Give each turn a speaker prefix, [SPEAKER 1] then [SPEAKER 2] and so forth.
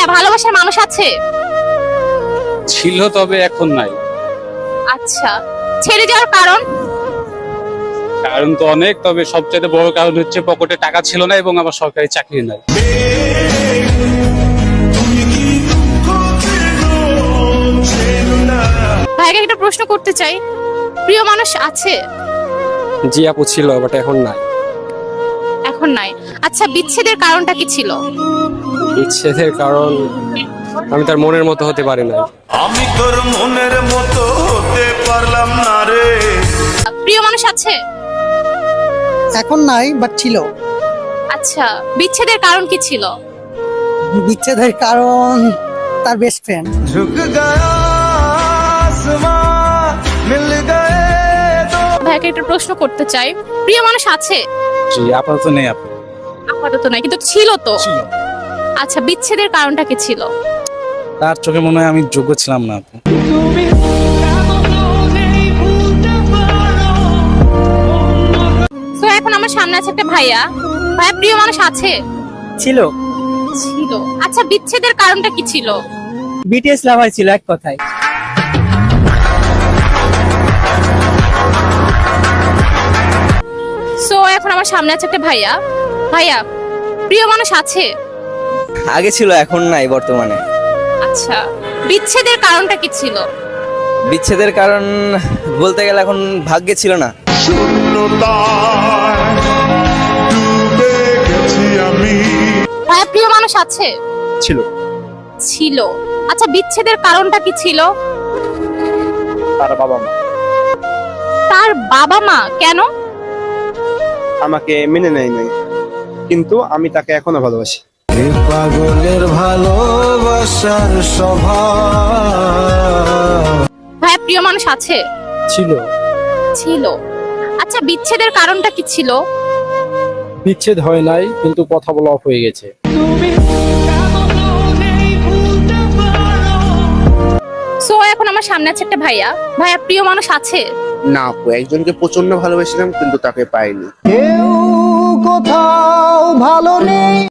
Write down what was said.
[SPEAKER 1] ভালোবাসার মানুষ আছে?
[SPEAKER 2] ছিল, তবে এখন নাই।
[SPEAKER 1] আচ্ছা, ছেড়ে যাওয়ার কারণ?
[SPEAKER 2] কারণ তো অনেক, তবে সবচেয়ে বড় কারণ হচ্ছে পকেটে টাকা ছিল না এবং আমার সরকারি চাকরি নাই।
[SPEAKER 1] ভাইকে একটা প্রশ্ন করতে চাই, প্রিয় মানুষ আছে?
[SPEAKER 3] জি আপু, ছিল, বাট এখন নাই।
[SPEAKER 1] এখন নাই। আচ্ছা, বিচ্ছেদের কারণটা কি ছিল?
[SPEAKER 3] বিচ্ছেদের কারণ আমি তার মনের মতো হতে পারি না।
[SPEAKER 4] আমি তোর মনের মতো হতে পারলাম না রে।
[SPEAKER 1] প্রিয় মানুষ আছে?
[SPEAKER 5] এখন নাই, বাট ছিল।
[SPEAKER 1] আচ্ছা, বিচ্ছেদের কারণ কি ছিল?
[SPEAKER 5] বিচ্ছেদের কারণ তার বেস্ট ফ্রেন্ড।
[SPEAKER 4] ঝুঁক গয়া আসমান মিল গয়ে দো।
[SPEAKER 1] ভাইকে একটা প্রশ্ন করতে চাই, প্রিয় মানুষ আছে?
[SPEAKER 2] জি, আপাতত নেই আপু।
[SPEAKER 1] আপাতত নাই, কিন্তু ছিল তো। আচ্ছা, বিচ্ছেদের কারণটা কি ছিল?
[SPEAKER 2] তার চোখে মনে হয় আমি যোগ্য ছিলাম না আপু।
[SPEAKER 1] তো এখন আমার সামনে আছে একটা ভাইয়া। ভাইয়া, প্রিয় মানুষ আছে?
[SPEAKER 5] ছিল।
[SPEAKER 1] ছিল। আচ্ছা, বিচ্ছেদের কারণটা কি ছিল?
[SPEAKER 5] বিটিএস লাভার ছিল এক কথায়।
[SPEAKER 1] সো এখন আমার সামনে আছে একটা ভাইয়া। ভাইয়া, প্রিয় মানুষ আছে?
[SPEAKER 6] আগে ছিল, এখন নাই বর্তমানে।
[SPEAKER 1] আচ্ছা, বিচ্ছেদের কারণটা কি ছিল?
[SPEAKER 6] বিচ্ছেদের কারণ বলতে গেলে এখন ভাগ্যে ছিল না।
[SPEAKER 4] শূন্যতায় ডুবে গেছি আমি।
[SPEAKER 1] ভাইয়া, প্রিয় মানুষ আছে?
[SPEAKER 3] ছিল।
[SPEAKER 1] ছিল। আচ্ছা, বিচ্ছেদের কারণটা কি ছিল?
[SPEAKER 3] তার বাবা মা
[SPEAKER 1] তার বাবা মা। কেন?
[SPEAKER 3] আমাকে মেনে নেয় নাই, কিন্তু আমি তাকে এখনো ভালোবাসি।
[SPEAKER 4] পাগলের ভালোবাসার স্বভাব।
[SPEAKER 1] ভাইয়া, প্রিয় মানুষ আছে?
[SPEAKER 3] ছিল।
[SPEAKER 1] ছিল। আচ্ছা, বিচ্ছেদের কারণটা কি ছিল?
[SPEAKER 3] বিচ্ছেদ হয় নাই, কিন্তু কথা বলা অফ হয়ে গেছে।
[SPEAKER 1] সো এখন আমার সামনে আছে একটা ভাইয়া। ভাইয়া, প্রিয় মানুষ আছে?
[SPEAKER 7] না আপু, একজনকে প্রচন্ড ভালোবেসেছিলাম কিন্তু তাকে পাইনি।
[SPEAKER 5] কেউ কোথাও ভালো নেই।